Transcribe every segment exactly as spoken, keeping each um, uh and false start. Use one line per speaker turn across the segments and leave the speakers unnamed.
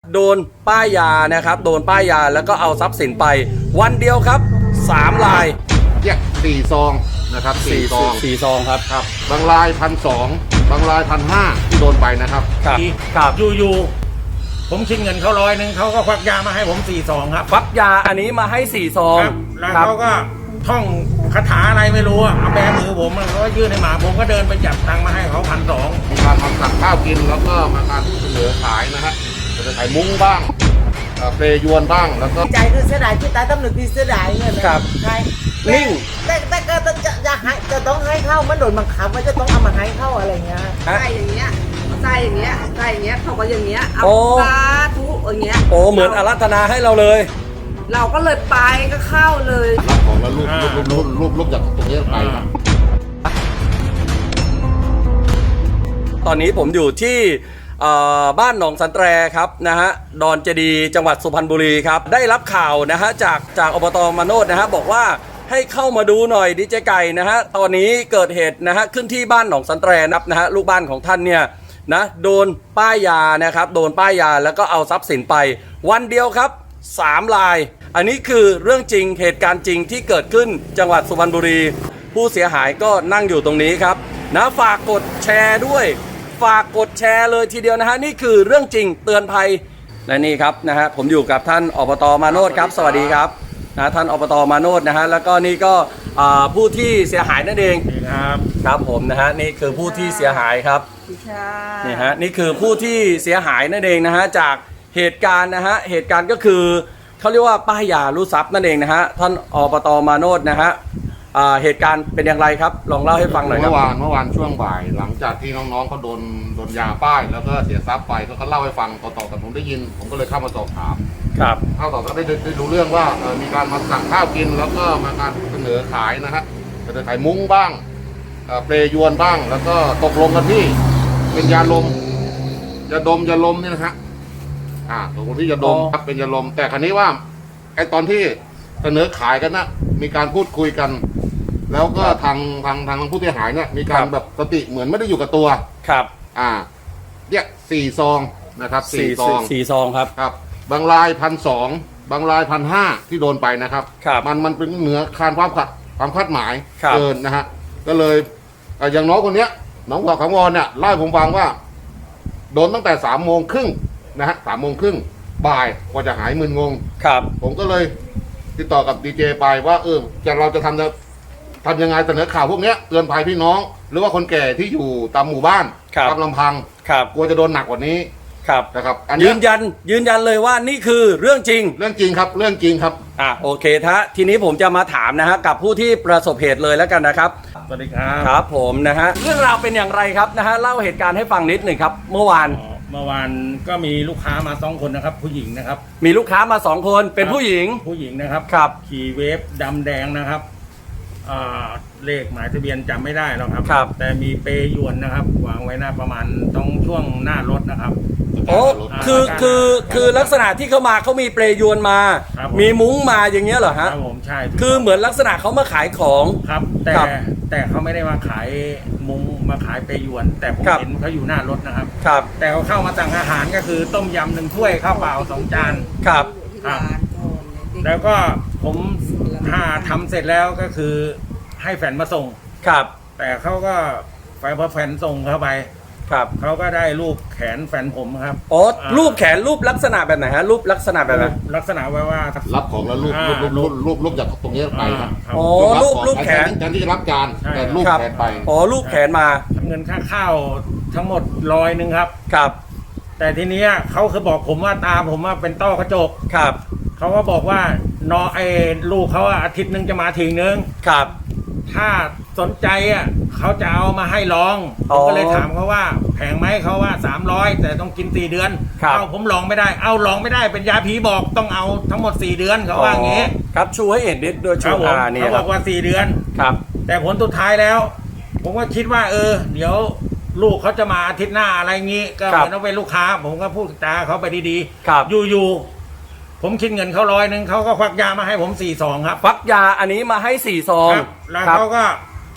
โดนป้ายยานะครับโดนป้ายยาแล้วก็เอาทรัพย์สินไปวันเดียวครับสามราย
แยกสี่ซองนะครับสี่ซอง
สี่ซองครับ
ครับบางรายพันสองบางรายพันห้าที่โดนไปนะครับ
ครับครับ
อยู่ๆผมคิดเงินเขาร้อยหนึ่งเขาก็ควักยามาให้ผมสี่ซองครับ
ควักยาอันนี้มาให้สี่ซอง
แล้วเขาก็ท่องคาถาอะไรไม่รู้อะเอาแบมือผมแล้วก็ยื่นให้หมาผมก็เดินไปจับตังค์มาให้เขาพันสอง
มีการทำสั่งข้าวกินแล้วก็มาการเสนอขายนะฮะจะขายมุ้งบ้างเปรยวนบ้างแล้วก็
ใจคือเสียดายที่ตายตำหนึกที่เสียดายเงิน
ครับ
ใช่
นิ่ง
แต่แต่ก็จะจะให้จะต้องให้เข้ามันโดนบังคับว่าจะต้องเอามาให้เข้าอะไรเงี้ย
ใส่อย่างเงี้ยใส่อย่างเงี้ยใส่อย่างเงี้ยเขาก็อย่างเงี้ยเอาสาธุอย่างเงี้ย
โอ้เหมือนอารัธนาให้เราเลย
เราก็เลยไปก็เข้าเลย
รับของแล้วรูปรูปรูปรูปรูปจากตรงนี้ไปครับ
ตอนนี้ผมอยู่ที่บ้านหนองสันแตรครับนะฮะดอนเจดีจังหวัดสุพรรณบุรีครับได้รับข่าวนะฮะจากจากอบต.มาโนดนะฮะบอกว่าให้เข้ามาดูหน่อยดีเจไก่นะฮะตอนนี้เกิดเหตุนะฮะขึ้นที่บ้านหนองสันแตรนับนะฮะลูกบ้านของท่านเนี่ยนะโดนป้ายยานะครับโดนป้ายยาแล้วก็เอาทรัพย์สินไปวันเดียวครับสามรายอันนี้คือเรื่องจริงเหตุการณ์จริงที่เกิดขึ้นจังหวัดสุพรรณบุรีผู้เสียหายก็นั่งอยู่ตรงนี้ครับนะฝากกดแชร์ด้วยฝากกดแชร์เลยทีเดียวนะฮะนี่คือเรื่องจริงเตือนภัยและนี่ครับนะฮะผมอยู่กับท่านอบต.มาโนดครับสวัสดีครับนะท่านอบต.มาโนดนะฮะแล้วก็นี่ก็ผู้ที่เสียหายนั่นเอง
ครับ
ครับผมนะฮะนี่คือผู้ที่เสียหายครับนี่ฮะนี่คือผู้ที่เสียหายนั่นเองนะฮะจากเหตุการณ์นะฮะเหตุการณ์ก็คือเขาเรียกว่าป้ายยารู้ทรัพย์นั่นเองนะฮะท่านอบต.มาโนดนะฮะเหตุการณ์เป็นอย่างไรครับลองเล่าให้ฟังหน่อยครับ
เมื่อวานเมื่อวานช่วงบ่ายหลังจากที่น้องๆเขาโดนโดนยาป้ายแล้วก็เสียทรัพย์ไปก็เขาเล่าให้ฟังต่อๆกันผมได้ยินผมก็เลยเข้ามาสอบถาม
ครับ
เข้าต่อก็ได้ได้รู้เรื่องว่ามีการมาสั่งข้าวกินแล้วก็มาการเสนอขายนะฮะเสนอขายมุ้งบ้างเปรยวนบ้างแล้วก็ตกลงกันที่เป็นยาลมยาดมยาลมนี่นะฮะอ่าตกลงที่ยาดมครับเป็นยาลมแต่ครั้นี้ว่าไอตอนที่เสนอขายกันนะมีการพูดคุยกันแล้วก็ทางทางทางผู้เสียหายเนี่ยมีการแบบสติเหมือนไม่ได้อยู่กับตัว
ครับ
อ่าเนี่ยสี่ซองนะครับสี่ซอง
สี่ซองครับ
ครับบางรายพันสองบางรายพันห้าที่โดนไปนะครับ
ครับ
มันมันเป็นเหนือคานความขัดความคาดหมาย
เ
กินนะฮะก็เลยอย่างน้องคนเนี้ยน้องหัวขาวงอนเนี่ยเล่าให้ผมฟังว่าโดนตั้งแต่สามโมงครึ่งนะฮะสามโมงครึ่งบ่ายกว่าจะหายมึนงง
ครับ
ผมก็เลยติดต่อกับดีเจไปว่าเออจะเราจะทำจะทำยังไงเสนอข่าวพวกนี้เตือนภัยพี่น้องหรือว่าคนแก่ที่อยู่ตามหมู่บ้านตามลำพังกลัวจะโดนหนักกว่านี้
ครับ
นะครับ
ยืนยันยืนยันเลยว่านี่คือเรื่องจริง
เรื่องจริงครับเรื่องจริงครับ
อ่ะโอเคท่าทีนี้ผมจะมาถามนะฮะกับผู้ที่ประสบเหตุเลยแล้วกันนะครับ
สวัสดีครับ
ครับผมนะฮะเรื่องราวเป็นอย่างไรครับนะฮะเล่าเหตุการณ์ให้ฟังนิดหนึ่งครับเมื่อวาน
เมื่อวานก็มีลูกค้ามาสองคนนะครับผู้หญิงนะครับ
มีลูกค้ามาสองคนเป็นผู้หญิง
ผู้หญิงนะครับ
ครับ
ขี่เวฟดำแดงนะครับเลขหมายทะเบียนจำไม่ได้แล้วครับ
ครับ
แต่มีเปยวนนะครับวางไว้หน้าประมาณตรงช่วงหน้ารถนะครับ
โอ้คือคือคือลักษณะที่เขามาเขามีเปรยวนมามีมุ้งมาอย่างเงี้ยเหรอฮะ
ครับผมใช่
คือเหมือนลักษณะเขามาขายของ
ครับแต่แต่เขาไม่ได้มาขายมุ้งมาขายเปยวนแต่ผมเห็นเขาอยู่หน้ารถนะครับ
ครับ
แต่เขาเข้ามาสั่งอาหารก็คือต้มยำหนึ่งถ้วยข้าวเปล่าสองจาน
ครับ
ครับแล้วก็ผมถ้าทำเสร็จแล้วก็คือให้แฟนมาส่ง
ครับ
แต่เขาก็ไปพอแฟนส่งเข้าไป
ครับ
เขาก็ได้รูปแขนแฟนผมครับ
อ๋อรูปแขนรูปลักษณะแบบไหนฮะรูปลักษณะแบบไหน
ลักษณะว่าว่า
รับของแล้วรูปรูปรูปรูปรูปจากตรงนี้ไปครับ
อ๋อรูปรูปแขน
แทนที่จะรับจานแต่รูปแขนไป
อ๋อรูปแขนมา
เงินค่าข้าวทั้งหมดร้อยหนึ่งครับ
ครับ
แต่ทีนี้เขาคือบอกผมว่าตาผมว่าเป็นต้อกระจก
ครับ
เขาก็บอกว่านอไอ้ลูกเขาอาทิตย์หนึ่งจะมาถึงนึง
ครับ
ถ้าสนใจอ่ะเขาจะเอามาให้ลองผมก็เลยถามเขาว่าแพงไหมเขาว่าสามร้อยแต่ต้องกินสี่เดือนเอาผมลองไม่ได้เอาลองไม่ได้เป็นยาผีบอกต้องเอาทั้งหมดสี่เดือนเขาว่าอย่างงี้
ครับชูให้เห็นนิดโดยชู
อาเนี่ยเขาบอกว่าสี่เดือน
ครับ
แต่ผลสุดท้ายแล้วผมก็คิดว่าเออเดี๋ยวลูกเขาจะมาอาทิตย์หน้าอะไรงี้ก็เหมือนว่าเป็นลูกค้าผมก็พูดจาเขาไปดีๆอยู่ๆผมคิดเงินเขาร้อยหนึ่งเขาก็ควักยามาให้ผมสี่ซองครับ
ควักยาอันนี้มาให้สี่ซอง
แล้วเขาก็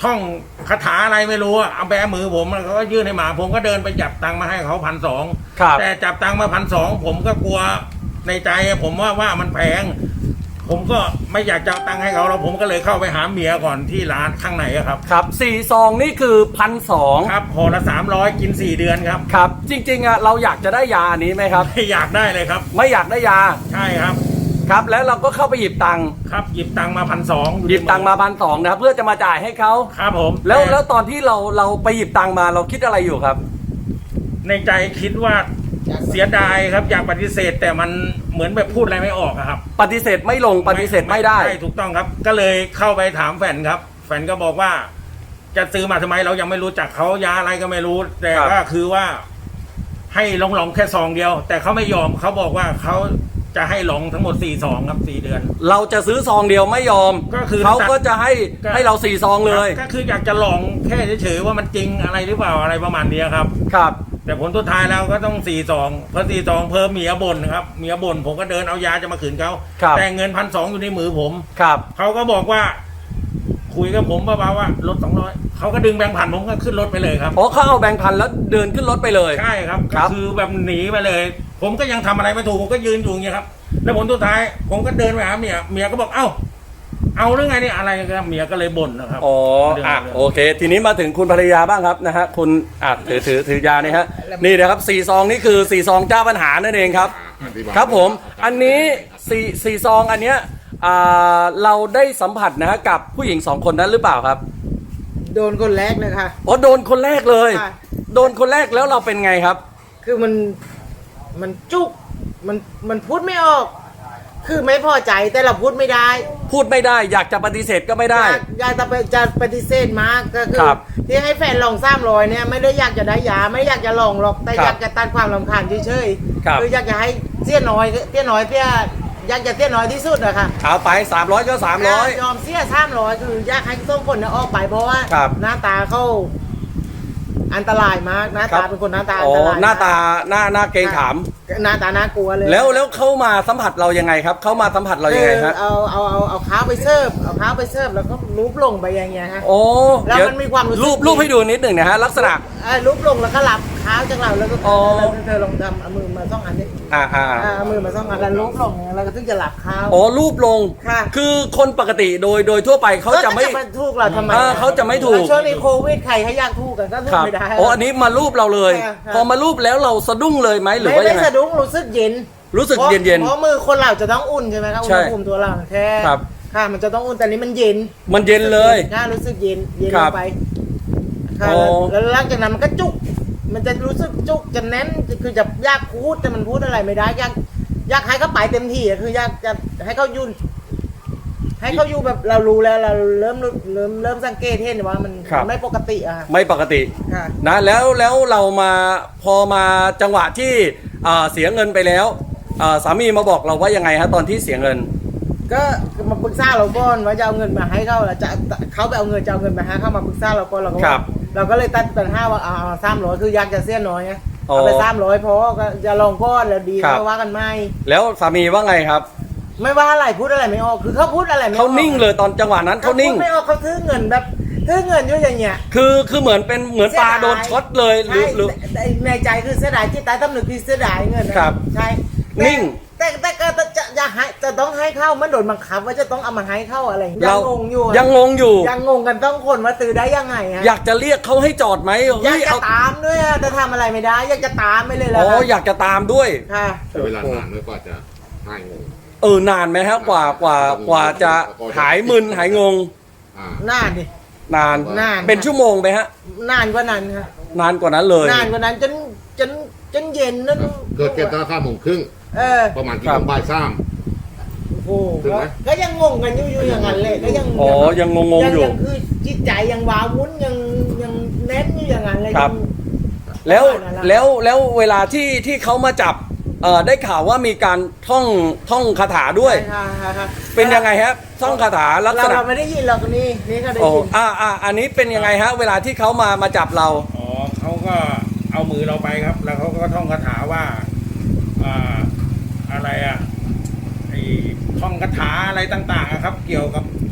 ท่องคาถาอะไรไม่รู้อะเอาแบมือผมแล้วเขาก็ยื่นให้หมาผมก็เดินไปจับตังค์มาให้เขาพันสอง
ครับ
แต่จับตังค์มาพันสองผมก็กลัวในใจอะผมว่าว่ามันแพงผมก็ไม่อยากจะเอาตังค์ให้เขาแล้วผมก็เลยเข้าไปหาเมียก่อนที่ร้านข้างในอะครับ
ครับสี่ซองนี่คือพันสอง
ครับห่อละสามร้อยกินสี่เดือนครับ
ครับ จริงๆอ่ะเราอยากจะได้ยาอันนี้ไหมครับ
ไม่อยากได้เลยครับ
ไม่อยากได้ยา
ใช่ครับ
ครับ แล้วเราก็เข้าไปหยิบตังค์
ครับหยิบตังค์มาพันสอง
หยิบตังค์มาพันสองนะครับเพื่อจะมาจ่ายให้เขา
ครับผม
แล้ว
ต่
แล้วตอนที่เราเราไปหยิบตังค์มาเราคิดอะไรอยู่ครับ
ในใจคิดว่าเสียดายครับอยากปฏิเสธแต่มันเหมือนแบบพูดอะไรไม่ออกอะครับ
ปฏิเสธไม่ลงปฏิเสธไม่ได้
ใช่ถูกต้องครับ ก็เลยเข้าไปถามแฟนครับ แฟนก็บอกว่า จะซื้อมาทำไมเรายังไม่รู้จักเขายาอะไรก็ไม่รู้ แต่
ครับ
ก็คือว่า ให้ลองลองแค่ซองเดียว แต่เขาไม่ยอมเขาบอกว่าเขาจะให้ลองทั้งหมดสี่ซองครับสี่เดือน
เราจะซื้อซองเดียวไม่ยอม
ก็คือ
เขาก็จะให้
ก็
ให้เราสี่ซองเลย
ก็คืออยากจะลองแค่เฉยๆว่ามันจริงอะไรหรือเปล่าอะไรประมาณนี้ครับ
ครับ
แต่ผลสุดท้ายแล้วก็ต้องสี่ซองพอสี่ซองเพิ่มเมียบ่นครับเมียบ่นผมก็เดินเอายาจะมาขืนเขา
ครับ
แต่เงินพันสองอยู่ในมือผม
ครับ
เขาก็บอกว่า คุยกับผมเบาๆว่าลดสองร้อยเขาก็ดึงแบงค์พันผมก็ขึ้นรถไปเลยครับ
อ๋อเขาเอาแบงค์พันแล้วเดินขึ้นรถไปเลย
ใช่ครับ
ครั
ก็
บ
คือแบบหนีไปเลย ผมก็ยังทำอะไรไม่ถูกผมก็ยืนอยู่อย่างเงี้ยครับ แล้วผลสุดท้าย ผมก็เดินไปหาเมียเมียก็บอกเอ้า เอาเรื่องไงเนี่ยอะไรกันเมียก็เลยบ่นนะครับ
อ๋ออ่ะโอเค ทีนี้มาถึงคุณภรรยาบ้างครับนะฮะคุณอ่ะถือถือถือยานี่ฮะนี่นะครับสี่ซองนี่คือสี่ซองเจ้าปัญหานั่นเองครับ
อธิาย
ครับผม อันนี้สี่สี่ซองอันเนี้ยอ่าเราได้สัมผัสนะฮะกับผู้หญิงสองคนนั้นหรือเปล่าครับ
โดนคนแรกเลยค่ะ
อ๋อโดนคนแรกเลย
ค่ะ
โดนคนแรกแล้วเราเป็นไงครับ
คือมันมันจุกมันมันพูดไม่ออก คือไม่พอใจแต่เราพูดไม่ได้
พูดไม่ได้อยากจะปฏิเสธก็ไม่ได้
อยากอยากจะไปจะปฏิเสธมากก็คือ
ครับ
ที่ให้แฟนลองซ้ำรอยเนี่ยไม่ได้อยากจะได้ยาไม่อยากจะลองหรอกแต่
ครับ
อยากจะตัดความรำคาญเฉย
ครับ
ๆคืออยากจะให้เสี้ยน้อยเสี้ยน้อยเสี้ยอยากจะเสี้ยน้อยที่สุดอะค่ะ
เอาไปสามร้อยก็สามร้อย
ยอมเสี้ยซ้ำรอยคืออยากให้ส้มคนเนี่ยออกไปเพราะว่า
ครับ
หน้าตาเขาอันตรายมากหน้า
ครั
ตา
บ
เป็นคนหน้าตาอั
อ๋
น
อ
ตรายมก
หน้าตาหน้าหน้าเกรงขาม
หน้าตาน่ากลัวเลย
แล้วแล้วเข้ามาสัมผัสเรายังไงครับ เข้ามาสัมผัสเรายังไงฮะ
เอาเอาเอาเอาเท้าไปเสิร์ฟเอาเท้าไปเสิร์ฟแล้วก็ลูบลงไปอย่างเงี้ยฮะ
โอ้
แล้ว
เดี๋ย
มันมีความรู้สึก
รูปรูปให้ดูนิดหนึ่งนะฮะลักษณะ
เอ่อลูบลงแล้วก็หลับเท้าจากเราแล้วก็
อ๋อ
แล้วเธอลองทำเอามือมาซ่องอันนี้
อ่าอ่า
อ่าเอามือมาซ่องอันแล้วลูบลงแล้วก็ถึงจะหลับเท้า
อ๋อรูปลง
ค่ะ
คือคนปกติโดยโดยทั่วไปเขาจะไม่
แล้วถูกเราทำไม
อ่าเขาจะไม่ถูก
ช่วงนี้โควิดใครให้ยากถูกกันก็ถูก
ครับ
ไม่ได้
อ๋ออันนี้มารูปเราเลย
ค่ะค่ะ
พอมารูปแล้วเราสะดุ้งเลยไหมหรือ
ไม่
ว่ายั
ไม่
งไง
สะดุ้งรู้สึกเย็น
รู้สึก
พราะ
เย็นเย็น
เพราะมือคนเราจะต้องอุ่นใช่ไหมครับอุ
ใช่
ณหภูมิตัวเราแค่
ครับ
ค่ะมันจะต้องอุ่นแต่นี้มันเย็น
มันเย็นเลย
น่ารู้สึกเย็นเย็น
ค
ล
รับ
งไปค่ะ
โอ้
แล้วแล้วหลังจากนั้นมันก็จุก มันจะรู้สึกจุกจะแน่นคือจะอยากพูดแต่มันพูดอะไรไม่ได้อยากอยากให้เขาไปเต็มที่อะคืออยากจะให้เขายุ่นให้เขาอยู่แบบเรารู้แล้วเราเริ่มเริ่มเริ่มสังเกตเห็นว่ามัน
ครับ
ไม่ปกติอะค่ะ
ไม่ปกติ
ค่ะ
นะแล้วแล้วเรามาพอมาจังหวะที่เอ่อเสียเงินไปแล้วเอ่อสามีมาบอกเราว่ายังไงฮะตอนที่เสียเงิน
ก็มาปรึกษาเราก่อนว่าจะเอาเงินมาให้เขาแล้วจะเขาไปเอาเงินจะเอาเงินมาให้เขามาปรึกษาเราก่อนเราก็
ครั
ว่า
บ
เราก็เลยตัดปัญหาว่าเอาสามร้อยคืออยากจะเสียน้อยไง
อ๋อ
เอาไปสามร้อยพอก็จะลองก้อนแล้วดี
ครับ
ก็ว่ากันไม่
แล้วสามีว่าไงครับ
ไม่ว่าอะไรพูดอะไรไม่ออกคือเขาพูดอะไรไม่ออก
เขานิ่งเลยตอนจังหวะนั้นเขานิ่ง
พูดไม่ออกเขาถือเงินแบบถือเงินอยู่อย่างเงี้ย
คือคือเหมือนเป็นเหมือนปลาโดนช็อตเลยหรือ
ใช่
หรือ
แต่แต่ในใจคือเสียดายที่ใต้ตำหนึกคือเสียดายเงินนะครับ ใช่แต่
นิ่ง
แต่แต่แต่ก็จะจะให้จะต้องให้เข้ามันโดนบังคับว่าจะต้องเอามาให้เข้าอะไรยั
เรา
งงงอยู่อะ
ยังงงอยู่
ยังงงกันต้องคนว่าซื้อได้ยังไงฮะ
อยากจะเรียกเขาให้จอดไหม
อยา
เฮ้
ก
ย
จะ
เอา
ตามด้วยอะแต่ทำอะไรไม่ได้ อยากจะตามไปเลยแหละ
อ๋อ
ค่ะ
อยากจะตามด้วย
ค่ะ
ใช้เวลานานด้วยกว่าจะหายงง
เออนานไหมฮะกว่ากว่ากว่าจะหายมึนหายงง
อ่า
นานดิ
นาน
นาน
เป็นชั่วโมงไหมฮะ
นานกว่านั้นค่ะ
นานกว่านั้นเลย
นานกว่านั้นจนจนจนเย็นนั่น
เกิดเก็บตั้งค่าโมงครึ่ง
เออ
ประมาณที่
ครับ
โมงบ่ายสาม
โอ้โห
ถึงไหม
ก็ยังงงกันอยู่อยู่อย่างนั้นเลยก็ยัง
อ๋อยังงงๆอยู่
ยังคือจิตใจยังว้าวุ่นยังยังแน่นอยู่อย่างนั้นเลย
ครับ
ยัง
แล้ว
ประมาณนั้นละ
แล้วแล้วเวลาที่ที่เขามาจับเอ่อได้ข่าวว่ามีการท่องท่องคาถาด้วย
ใช่ค่ะค่ะ
เป็นยังไงฮะท่องคาถาลัก
เรา
ษณะ
เราไม่ได้ยินหรอกนี่นี่ก็ได้
โอ้
ยิน
อ่าอ่าอันนี้เป็นยังไงฮะ เวลาที่เขามามาจับเรา
อ๋อเขาก็เอามือเราไปครับ แล้วเขาก็ท่องคาถาว่าอ่าอะไรอ่ะไอ้ท่องคาถาอะไรต่างๆอะครับ เกี่ยวกับ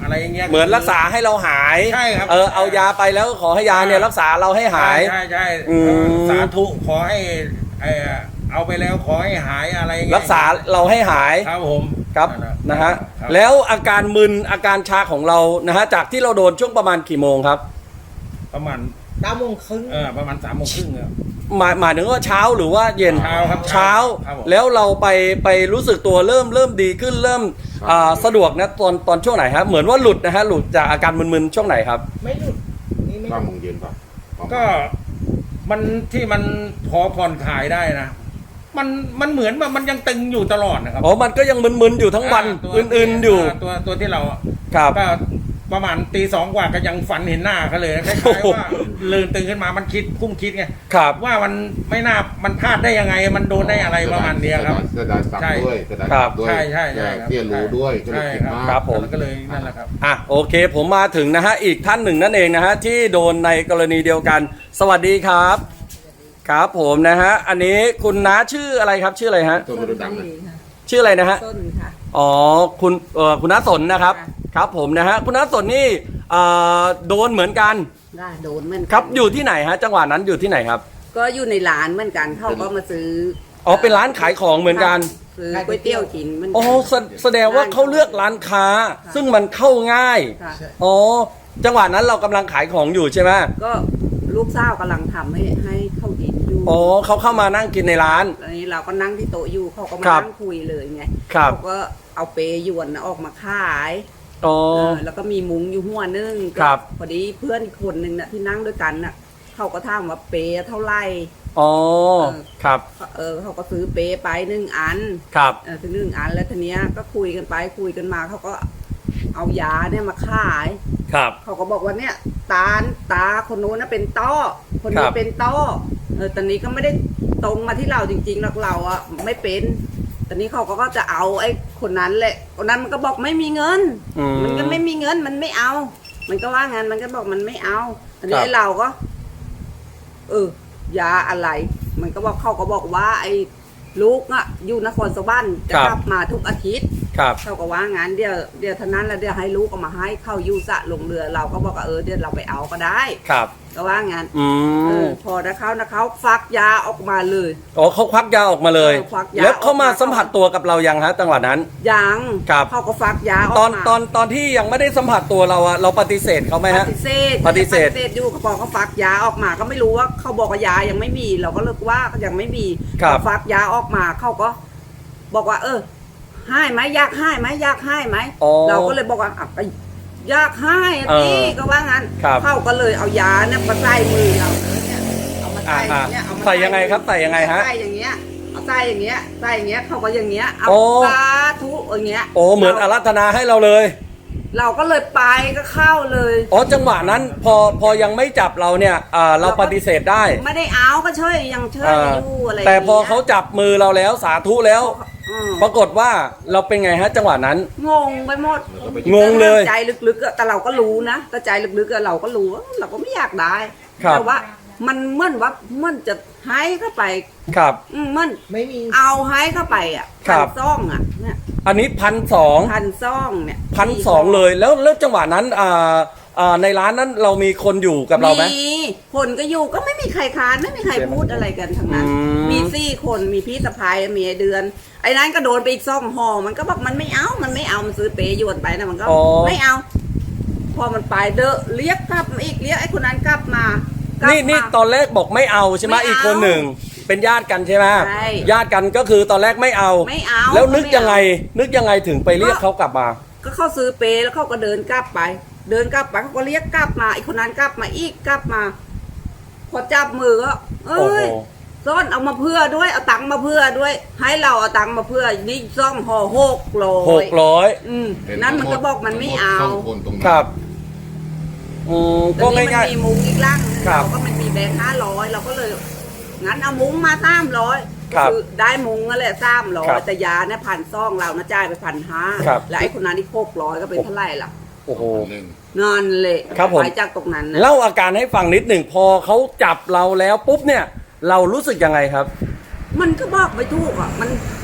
อะไรอย่างเงี้ย
เหมือนรักษาให้เราหาย
ใช่ครับ
เออเอายาไปแล้วขอให้ยาเนี่ยรักษาเราให้หาย
ใช่ใช่
อืม
สาธุขอให้ไอ้เอาไปแล้วขอให้หายอะไรอย่างเงี้ย
รักษาเราให้หาย
ครับผม
ครับ
นั่นแหล
นะฮะ
ครับ
แล้วอาการมึนอาการชาของเรานะฮะจากที่เราโดนช่วงประมาณกี่โมงครับ
ประมาณ
เก้าโมงครึ่ง
เออประมาณสามโมงครึ่งครับ
หมายหมายถึงว่าเช้าหรือว่าเย็น
เช้าครับ
เช้า
ครับผม
แล้วเราไปไปรู้สึกตัวเริ่มเริ่มดีขึ้นเริ่มอ่าสะดวกนะตอนตอนช่วงไหนครับเหมือนว่าหลุดนะฮะหลุดจากอาการมึนๆช่วงไหนครับ
ไม่หยุดนี่ไม่ห
เก้า
ยุ
โม
ด
งเย็นป่ะประมาณ
ก็มันที่มันพอผ่อนคลายได้นะ มันมันเหมือนว่ามันยังตึงอยู่ตลอดนะครับ
อ๋อมันก็ยังมึนๆอยู่ทั้งวัน
ตัว
อื่นๆอยู่
าตัวตัวที่เรา
ครับ
ก็ประมาณตีสองกว่าก็ยังฝันเห็นหน้าเขาเลยนะคล้าย
โอ้โห
ๆว่าลืมตื่นขึ้นมามันคิดกุ้งคิดไง
ครับ
ว่ามันไม่น่ามันพลาดได้ยังไง มันโดนได้อะไรประมาณเนี้ยครับ
เสียดายสับ
ใช่
ด้วยเสียดาย
ครั
สั
บ
บด้วย
ใช่ใช่ใช่ครับ
เตี้ยรู้ด้วยก็เลย
ใช่
คิด
ครับ
มาก
ครับผม
แล้วก็เลยนั่นแหละครับ
อ่ะโอเคผมมาถึงนะฮะอีกท่านหนึ่งนั่นเองนะฮะที่โดนในกรณีเดียวกัน สวัสดีครับ ครับผมนะฮะอันนี้คุณน้าชื่ออะไรครับชื่ออะไรฮะ
ตัวมันดำเลย
ชื่ออะไรนะฮะ
ต้นค่ะ
อ๋อคุณเอ่อคุณน้าสนนะครับ
ค่ะ
ครับผมนะฮะคุณน้าสนนี่เอ่อโดนเหมือนกัน
ได้โดนเหมือนกัน
ครับอยู่ที่ไหนฮะจังหวะนั้นอยู่ที่ไหนครับ
ก็อยู่ในร้านเหมือนกันเขาก็มาซื้อ
อ๋อเป็นร้านขายของเหมือนกัน
ซื้อก๋วยเตี๋ยวกินเหมือนกั
อ๋อแสแสดงว่าเขาเลือกร้านค้า ซึ่งมันเข้าง่าย
ค่ะ
อ๋อจังหวะนั้นเรากำลังขายของอยู่ใช่ไหม
ก็ลูกสาวกำลังทำให้ให้เข้ากินอยู่
อ๋อเขาเข้ามานั่งกินในร้าน
ตอนนี้เราก็นั่งที่โต๊ะอยู่เขาก็มา
ครับ
นั่งคุยเลยไง
ครับ
เขาก็เอาเปยวนน่ะออกมาขาย
อ๋อ
เออแล้วก็มีมุ้งอยู่หัวนึง
ครับ
พอดีเพื่อนอีกคนนึงน่ะที่นั่งด้วยกันน่ะเขาก็ถามว่าเปย์เท่าไหร่
อ๋อครับ
เออเขาก็ซื้อเปย์ไปหนึ่งอัน
ครับ
เออถึงหนึ่งอันแล้วทีเนี้ยก็คุยกันไปคุยกันมาเขาก็เอายาเนี่ยมาขาย
ครับ
เขาก็บอกว่าเนี่ยตาตาคนโน้นนะเป็นต้อคน
ครั
นี้
บ
เป็นต้อเออตอนนี้ก็ไม่ได้ตรงมาที่เราจริงๆหรอกเราอะไม่เป็นตอนนี้เขาก็จะเอาไอ้คนนั้นแหละคนนั้นมันก็บอกไม่มีเงิน
อืม
มันก็ไม่มีเงินมันไม่เอา มันก็ว่างั้นมันก็บอกมันไม่เอาตอนนี้
ครับ
ไอ้เราก็ เออยาอะไร มันก็บอกเขาก็บอกว่า ไอ้ลูกอะอยู่นครสวรรค์จะกลับมาทุกอาทิตย์
ครับ
เขาก็ว่างั้นเดี๋ยวเดี๋ยวเท่านั้นแล้วเดี๋ยวให้ลูกเอามาให้เข้ายูสะลงเรือ เราก็บอกว่าเออเดี๋ยวเราไปเอาก็ได้
ครับ
ก็ว่างั้น
อื
เอ
ม
อพอนะเขานะเขาฟักยาออกมาเลย
อ๋อเขาควักยาออกมาเลย
เออควักยา
แล้วเขามา
ออกมา
สัมผัสตัวกับเรายังฮะจังหวะนั้น
ยัง
ครับ
เขาก็ฟักยาออก
ตอน
มา
ตอนตอนที่ยังไม่ได้สัมผัสตัวเราอะเราปฏิเสธเขาไหม
ป
ฮะ
ฏิเสธ
ปฏิเสธ
ปฏิเสธอยู่เขาบอกเขาฟักยาออกมาก็ไม่รู้ว่าเขาบอกว่ายายังไม่มี เราก็เลิกว่ายังไม่มี
ครับ
เขาฟักยาออกมาเขาก็ บอกว่า เออให้ไหมอยากให้ไหมอยากให้ไหม
อ๋อ
เราก็เลยบอกว่าอ่ะก็อยากให้อะ
เออ
พี่ก็ว่างั้น
ครับ
เขาก็เลยเอายาเนี่ยมาใส่มือเราเลยเนี่ยเอามาใส่
อ่า
เนี่ยเอามา
ใส่ยังไงครับใส่ยังไงฮะ
ใส่อย่างเงี้ยเอาใส่อย่างเงี้ยใส่อย่างเงี้ยเขาก็อย่างเงี้ยเอา
โอ้
สาธุอย่างเงี้ย
โอ้เหมือนอารัธนาให้เราเลย
เราก็เลยไปก็เข้าเลย
อ๋อจังหวะนั้นพอพอยังไม่จับเราเนี่ยอ่าเราปฏิเสธได้
ไม่ได้เอาก็ช่วยยังช่วย
อ่า
อยู่อะไร
แต่พอ
ย่งงี้ย
เขาจับมือเราแล้วสาธุแล้ว
อืม
ปรากฏว่าเราเป็นไงฮะจังหวะนั้น
งงไปหมด
งงเลย
ใจลึกๆอะแต่เราก็รู้นะแต่ใจลึกๆอะเราก็รู้ว่าเราก็ไม่อยากได้
ครับ
แต่ว่ามันเหมื่อนว่าเหมื่อนจะให้เข้าไป
ครับ
อืมเหมื่อน
ไม่มี
เอาให้เข้าไปอ่ะ
ครั
พั
บ
นซ่องอ่ะเนี่ย
อันนี้พันสอง
พันซ่องเนี่ย
พันสองเลยแล้วแล้วจังหวะนั้นอ่าอ่าในร้านนั้นเรามีคนอยู่กับเราไหม
มีคนก็อยู่ก็ไม่มีใครค้านไม่มีใครพูดอะไรกันทั้งนั้น
อืม
มีสี่คนมีพี่สะพ้ายมีไอ้เดือน ไอ้นั้นก็โดนไปอีกซ่องห่อมันก็บอกมันไม่เอามันไม่เอามันซื้อเปย์ยวนไปนะมันก็
อ๋อ
ไม่เอา พอมันไปเดอะเรียกกลับมาอีกเรียกไอ้คนนั้นกลับมากลับ
นี่นี่
มา
ตอนแรกบอกไม่เอาใช่ไหม
ไม่เอา
อีกคนหนึ่งเป็นญาติกันใช่ไหม
ใช่
ญาติกันก็คือตอนแรกไม่เอา
ไม่เอา
แล้วนึก
ไม่เอา
ยังไง นึกยังไงถึงไปเรียกเขากลับมา
ก็เขาซื้อเปย์แล้วเขาก็เดินกลับไป เดินกลับไปเขาก็เรียกกลับมาไอ้คนนั้นกลับมาอีกกลับมา พอจับมือก็เอ้ย
โอ้โห
ซ่อนเอามาเพื่อด้วยเอาตังค์มาเพื่อด้วย ให้เราเอาตังค์มาเพื่อนี่ซ่องห่อหกโล
หกร้อย
อืมนั่นมันก็บอกมันไม่เอา
สงคนตรงนั้น
ครับอืม
แต่
ก็
นี่มัน
ง่าย
มีมุ้งอีกล่างนึง
ครับ
เราก็มันมีแบงค์ห้าร้อยเราก็เลย งั้นเอามุ้งมาสามร้อย
ครับ
คือได้มุ้งนั่นแหละสามร้อ
ครั
ย
บ
แต่ยาเนี่ยพันซ่องเรานะจ่ายไปพันห้า
ครับ
แล้วไอ้คนนั้นอีกหกร้อยก็เป็นเท่าไหร่ล่ะ
ๆโอ้โห
หนึ่ง
นั่นแหละ
ครับผม
ไปจากตรงนั้นนะ
เล่าอาการให้ฟังนิดหนึ่งพอเขาจับเราแล้วปุ๊บเนี่ย เรารู้สึกยังไงครับ
มันก็บอกไม่ถูกอ่ะ มัน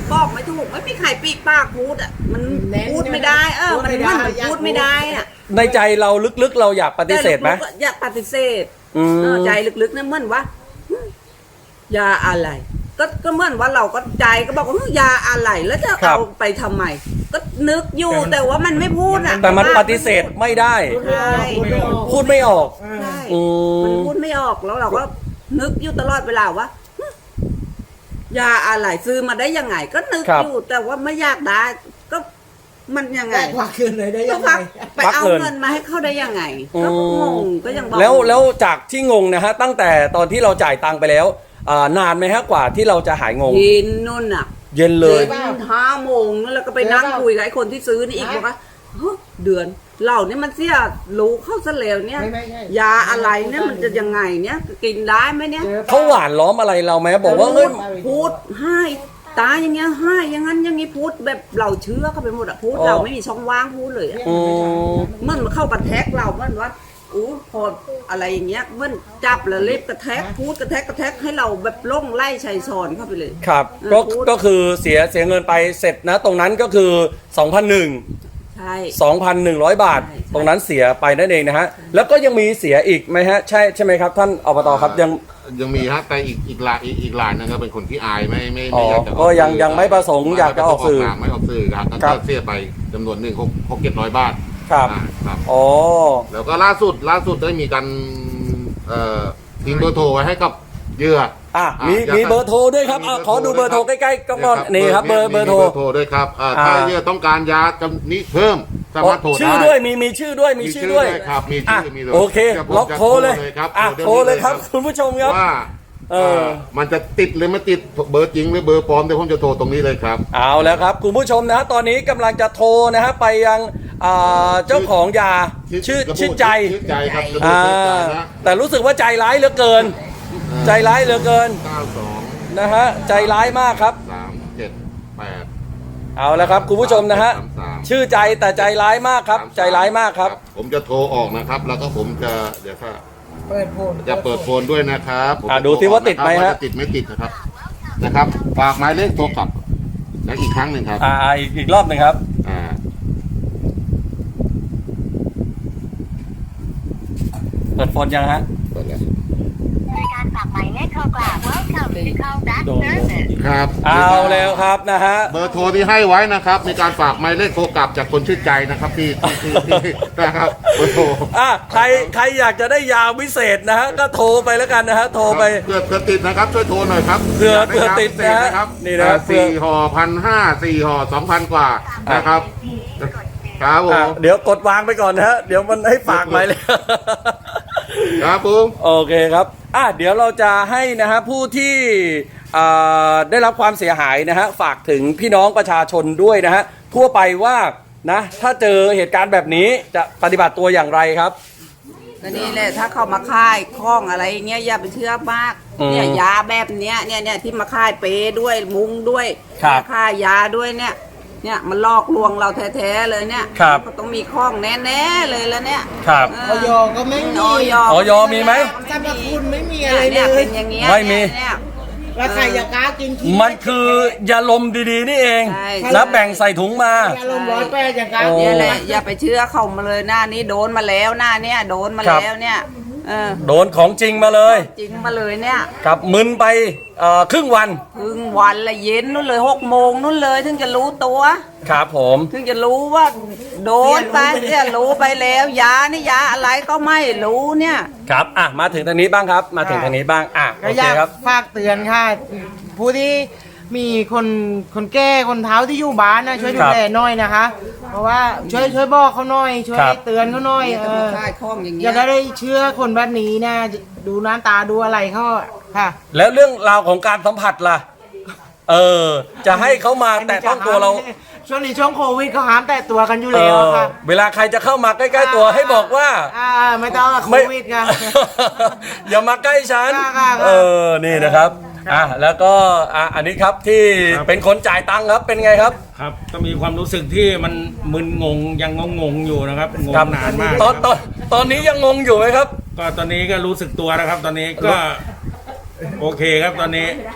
บอกไม่ถูกไม่มีใครปีกปากพูดอ่ะมัน
แน่น
พูดไม่ได้เออ
พูด
มัน
ไม่
มัน
ได้
มันพูดไม่ได้อ่ะ
ในใจเราลึกๆเราอยากปฏิเสธไหม
แต่ลึกๆอยากปฏิเสธ
อืม
เออใจลึกๆเนี่ยเหมือนว่าหึยาอะไร ก็ก็เหมือนว่าเราก็ใจก็บอกว่าหึยาอะไรแล้วจะเอาไปทำไม ก็นึกอยู่แต่ว่ามันไม่พูดอ่ะ
แต่มันปฏิเสธไม่ได้
ใช่
พูดไม่ออก
ใช่
อืม
มันพูดไม่ออกแล้วเราก็นึกอยู่ตลอดเวลาว่าหึยาอะไรซื้อมาได้ยังไง ก็นึก
ครับ
อยู่แต่ว่าไม่อยากได้ ก็มันยังไง
ได้ควักคืนเลยได้
ก็
ยังไง
พักไป
พัก
เอา
เงิน
เงินมาให้เขาได้ยังไง
อืม
ก็งงก็ยังบอก
แล้วแล้วจากที่งงนะฮะตั้งแต่ตอนที่เราจ่ายตังค์ไปแล้วอ่านานไหมฮะกว่าที่เราจะหายงง
กินนู่นอ่ะ
เย็นเลย
กินห้าโมงแล้วก็ไปนั่งคุยกับไอ้คนที่ซื้อนี่อีกบอกว่าเฮ้ยเดือนเหล่านี้มันเสียรู้เข้าซะแล้วเนี่ย
ไม่ไม่ไม่
ยาอะไรเนี่ยมันจะยังไงเนี่ยกินได้ไหมเนี่ย
เจอ
เขาหวานล้อมอะไรเราไหมบอกว่าเฮ้ย
พูดให้ตาอย่างเงี้ยให้อย่างนั้นอย่างงี้พูดแบบเราเชื่อเข้าไปหมดอะพูด
อ๋อ
เราไม่มีช่องว่างพูดเลยอะ
อืม
มันมาเข้ากระแทกเรามันว่าอู้พออะไรอย่างเงี้ยมันจับแล้วเล็บกระแทกพูดกระแทกกระแทกให้เราแบบล่องไล่ชัยซอนเข้าไปเลย
ครับ
เออ
ก็
พูด
ก็คือเสียเสียเงินไปเสร็จนะ ตรงนั้นก็คือสองพันหนึ่ง
ใช่
สองพันหนึ่งร้อยบาท
ใช่ใช่
ตรงนั้นเสียไปนั่นเองนะฮะแล้วก็ยังมีเสียอีกไหมฮะใช่ใช่ไหมครับท่านอบตครับยัง
ยังมีฮะแต่อีกอีกรายอีกอีกรายนึงก็เป็นคนที่อายไม่ไม่
อ๋อ
ไม่อยากจะออ
ก็ยัง
สื่
ยังไม่ประสงค์อยากจะออกสื่อ
ไม่ออกสื่อครับ
ครั
ก็
บ
เสียไปจำนวนหนึ่งหกหกเจ็ดร้อยบาท
ครับ
อ่าครับ
อ๋อ
แล้วก็ล่าสุดล่าสุดได้มีการเอ่อทิ้งเบอร์โทรไว้ให้กับเหยื่อ
อ่ะ
อ่ะ
มี
อยาก
มี
จะ
เบอร์โทรด้วยครับอ่ะขอดูเบอร์โทรใกล้ๆก็ก่อนนี่ครับเบอร์เบอร์โทร
มีเบอร์โทรด้วยครับอ่าถ้า
อ่า
เหยื่อต้องการยาจำนี้เพิ่มสามารถโทรได้
ชื่อด้วยมีมีชื่อด้วยมีชื่อด้วย
ครับมี
อ่ะ
ชื่อมีลย
โอเค
ดี๋ยวผม
ล็อก
จะ
โทรเลย
ครับ
อ่ะโทรเลยครับคุณผู้ชมครับ
ว่า
เออ
เอ่อมันจะติดหรือไม่ติดเบอร์จริงหรือเบอร์ปลอมเดี๋ยวผมจะโทรตรงนี้เลยครับ
เอาแล้วครับคุณผู้ชมนะฮะตอนนี้กำลังจะโทรนะฮะไปยังอ่าเจ้าของยาชื่อชื่อใจ
ชื่อใจครับ
อ่า
ชื่อใจนะ
แต่รู้สึกว่าใจร้ายเหลือเกิน ใจร้ายเหลือเกิน
เก้าสอง
นะฮะใจร้ายมากครับ
สามเจ็ดแปด
เอาแล้วครับคุณผู้ชมนะฮะ
สามสาม
ชื่อใจแต่ใจร้ายมากครับ ใจร้ายมากครับ
ผมจะโทรออกนะครับ แล้วก็ผมจะเดี๋ยวถ้า
เปิดโพล
จะเปิดโฟนด้วยนะครับผม
อ่ะ
จะ
ดูสิว่าติดไหมฮะ
ว่าจติดไม่ติดนะครับนะครับฝากหมายเลขโทรกลับและอีกครั้งหนึ่งครับ
อ่าอีกอีกรอบหนึ่งครับ
อ่า
เปิดโฟนยังฮะ
เปิดแล้ว
ในการฝากหมายเลขโทรกลับ Welcome to call back
โดน
service
ครับ
เอาแล้วครับนะฮะ
เบอร์โทรที่ให้ไว้นะครับในการฝากหมายเลขโทรกลับจากคนชื่อใจนะครับที่ที่ที่ที่นะครับเบอร์โทร
อ่ะใครใครอยากจะได้ยาวิเศษนะฮะก็โทรไปแล้วกันนะฮะโทรไป
เพื่อเพื่อติดนะครับช่วยโทรหน่อยครับ
เผื่อ
ากไ
เผื่อติดนะฮะ
ยาพิเศษครับ
นี่นะครับ
อ่าสี่ห่อพันห้าสี่ห่อสองพันกว่านะครับครับผ
อ่ะ
ม
เดี๋ยวกดวางไปก่อนนะฮะเดี๋ยวมันให้ฝากไปเลย
ครับผม
โอเคครับอ่ะเดี๋ยวเราจะให้นะฮะผู้ที่อ่าได้รับความเสียหายนะฮะฝากถึงพี่น้องประชาชนด้วยนะฮะทั่วไปว่านะถ้าเจอเหตุการณ์แบบนี้จะปฏิบัติตัวอย่างไรครับ
ก็นี่แหละถ้าเขามาค่ายคล้องอะไรเงี้ยอย่าไปเชื่อมาก
อืม
เนี่ยยาแบบเนี้ยเนี่ยเนี่ยที่มาค่ายเปด้วยมุงด้วย
ครับ
มาค่ายยาด้วยเนี่ยเนี่ยมันลอกลวงเราแท้ๆเลยเนี่ย
ครับ
ก็ต้องมีข้องแน่ๆเลยแล้วเนี่ย
ครับ
เ
ออยก็ไม่มี
ออย
ออยมีไหม
สรรพคุณไม่มี
เนี่ย
อะไรเล
เนี่ย
ย
เป็นอย่างเงี้ย
ไม่มี
เนี่ย
แล้วใครจะกล้ากินขี้
มันคือยาลมดีๆนี่เอง
ใช่
แล้วแบ่งใส่ถุงมา
ยาลมร้อยแปดอย่างกล้า
โอ้
กิ
เนี่ย
น
แหละอย่าไปเชื่อเขามาเลยหน้านี้โดนมาแล้วหน้าเนี่ยโดนมา
ครับ
แล้วเนี่ยเออ
โดนของจริงมาเลย
จริงมาเลยเนี่ย
ครับมึนไปเอ่อครึ่งวัน
พึ่งวันละเย็นนู่นเลยหกโมงนู่นเลยถึงจะรู้ตัว
ครับผม
ถึงจะรู้ว่าโดนไปเนี่ยรู้ไปแล้วยานี่ยาอะไรก็ไม่รู้เนี่ย
ครับอ่ะมาถึงทางนี้บ้างครับ มาถึงทางนี้บ้างอ่ะโอ
ก็
เค
อยาก
ครับ
ฝากเตือนค่ะ ผู้ที่มีคนคนแก่คนเฒ่าที่อยู่บ้านนะช่วยดูแลหน่อยนะคะ เพราะว่าช่วยช่วยบอกเขาหน่อย ช่วย
ครับ
เตือนเขาหน่อยเออ
ค่ายคล้องอย่าง
อ
เงี้
ย่าย ได้เชื่อคนแบบนี้นะดูหน้าตาดูอะไรเขาค่ะ
แล้วเรื่องราวของการสัมผัสล่ะ เออ จะให้เขามาแตะต้องตัวเรา
ช่วงนี้ช่วงโควิดเขาห้ามแตะตัวกันอยู่
เอ
แล้ว
อ
ค่ะ
เวลาใครจะเข้ามาใกล้ๆตัวให้บอกว่า
อ่าไม่ต้องโค
ไม่
วิดค่ะ
อย่ามาใกล้ฉัน
ค่ะค่ะค่ะ
เออ นี่นะครับ อ่ะ แล้วก็ อ่ะ อันนี้ครับที่
ครับ
เป็นคนจ่ายตังค์ครับ เป็นไงครับ
ครับก็มีความรู้สึกที่มันมึนงงยังงงงๆอยู่นะครับงง
ครับ
นานมาก
ตอนตอนตอนนี้ยังงงอยู่ไหมครับ
ก็ตอนนี้ก็รู้สึกตัวนะครับ ตอนนี้ก็โอเคครับตอนนี้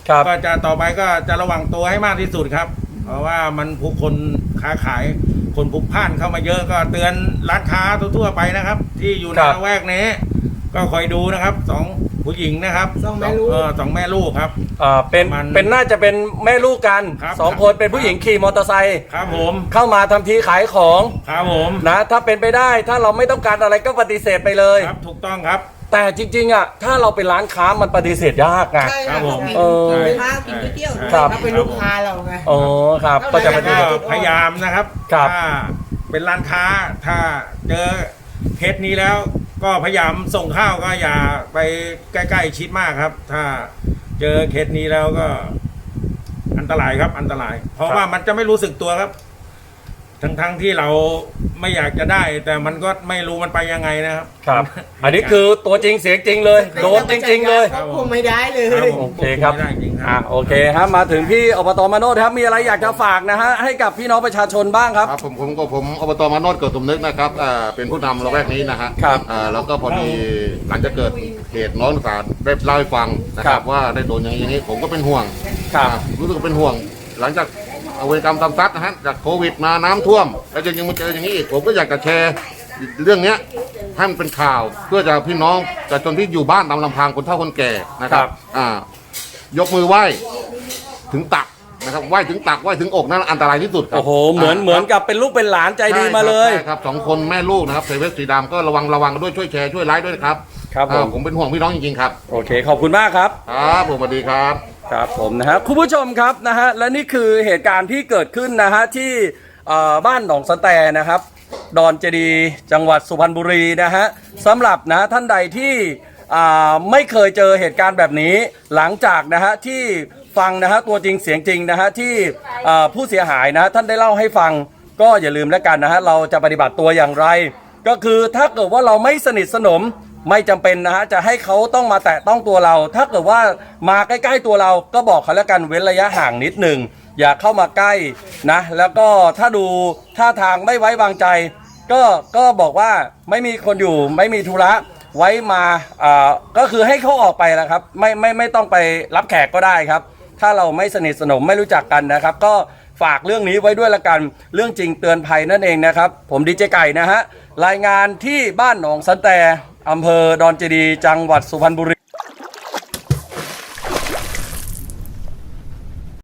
ครับ
ก็จะต่อไปก็จะระวังตัวให้มากที่สุดครับ เพราะว่ามันผู้คนค้าขายคนพลุกพล่านเข้ามาเยอะก็เตือนร้านค้าทั่วๆไปนะครับ ที่อยู่ใน
ครับ
ละแวกนี้ ก็คอยดูนะครับสองผู้หญิงนะครับ
สองแม่ลูก
เออสองแม่ลูกครับ
อ่าเป็น
มัน
เป็นน่าจะเป็นแม่ลูกกัน
ครับ
สองคนเป็นผู้หญิงขี่มอเตอร์ไซค์
ครับผม
เข้ามาทำทีขายของ
ครับผม
นะถ้าเป็นไปได้ถ้าเราไม่ต้องการอะไรก็ปฏิเสธไปเลย
ครับถูกต้องครับ
แต่จริงๆอ่ะถ้าเราเป็นร้านค้ามันปฏิเสธยากไง
ใช่
ครับผม
เออ
กินข้าวกินก๋วยเตี๋ยวด้วย
ครับ
ถ้าเป็นลูกค้าเราไง
อ๋อครับ ก็จะปฏิ
ก็
เสธ
พยายามนะครับ
ครับ
ถ้าเป็นร้านค้าถ้าเจอเคสนี้แล้วก็พยายามส่งข้าวก็อย่าไปใกล้ๆชิดมากครับ ถ้าเจอเคสนี้แล้วก็อันตรายครับอันตราย เพราะว่ามันจะไม่รู้สึกตัวครับ ทั้งๆที่เราไม่อยากจะได้ แต่มันก็ไม่รู้มันไปยังไงนะครับ
ครับ อันนี้คือตัวจริงเสียงจริงเลย โดนจริง ๆ เลย
ควบคุมไม่ได้เลย
ครับผม
โอเคครับ
ไม่ได้จริงค
อ่ะ
รับ
โอเคครับมาถึงพี่อบตมาโนดครับมีอะไรอยากจะฝากนะฮะให้กับพี่น้องประชาชนบ้างครับ
ครับผมผมก็ผมอบตมาโนดเกิดสมนึกนะครับอ่าเป็นผู้นำละแวกนี้นะฮะ
ครับ
อ่าแล้วก็พอดีหลังจากเกิดเหตุน้องสาวได้เล่าให้ฟังนะค
ครั
รับบ ว่าได้โดนอย่างนี้อย่างนี้ผมก็เป็นห่วง
ครับ
อ่ารู้สึกว่าเป็นห่วง หลังจากเอาเวรกรรมตามซัดนะฮะจากโควิดมาน้ำท่วม แล้วยังมาเจออย่างนี้อีกผมก็อยากจะแชร์เรื่องเนี้ยให้มันเป็นข่าว เพื่อจะพี่น้องประชาชนที่อยู่บ้านตามลำพังคนเฒ่าคนแก่นะครั
ครับ บ
อ่ายกมือไหว้ถึงตักนะครับไหว้ถึงตักไหว้ถึงอกนั่นอันตรายที่สุดครับ
โอ้โหเหมือน
า
เหมือนกับเป็นลูกเป็นหลานใจดีมาเลย
ใช่ครับสองคนแม่ลูกนะครับใส่เวสสีดำก็ระวังระวังกันด้วยช่วยแชร์ช่วยไลค์ด้วยนะครับ
ครับผม
อ่าผมเป็นห่วงพี่น้องจริงๆครับ
โอเคขอบคุณมากครับ
ครับผมสวัสดีครับ
ครับผมนะฮะคุณผู้ชมครับนะฮะและนี่คือเหตุการณ์ที่เกิดขึ้นนะฮะที่เอ่อบ้านหนองสะแตนะครับ ดอนเจดีย์จังหวัดสุพรรณบุรีนะฮะสำหรับนะท่านใดที่อ่าไม่เคยเจอเหตุการณ์แบบนี้ หลังจากนะฮะที่ฟังนะฮะตัวจริงเสียงจริงนะฮะที่เอ่อผู้เสียหายนะฮะท่านได้เล่าให้ฟังก็อย่าลืมแล้วกันนะฮะเราจะปฏิบัติตัวอย่างไร ก็คือถ้าเกิดว่าเราไม่สนิทสนมไม่จำเป็นนะฮะจะให้เขาต้องมาแตะต้องตัวเรา ถ้าเกิดว่ามาใกล้ๆตัวเราก็บอกเขาแล้วกันเว้นระยะห่างนิดหนึ่งอย่าเข้ามาใกล้นะแล้วก็ถ้าดูท่าทางไม่ไว้วางใจ ก็ก็บอกว่าไม่มีคนอยู่ไม่มีธุระไว้มาอ่าก็คือให้เขาออกไปแล้วครับไม่ไม่ไม่ต้องไปรับแขกก็ได้ครับ ถ้าเราไม่สนิทสนมไม่รู้จักกันนะครับ ก็ฝากเรื่องนี้ไว้ด้วยละกันเรื่องจริงเตือนภัยนั่นเองนะครับ ผมดีเจไก่นะฮะรายงานที่บ้านหนองสันแตอำเภอดอนเจดีย์จังหวัดสุพรรณบุรี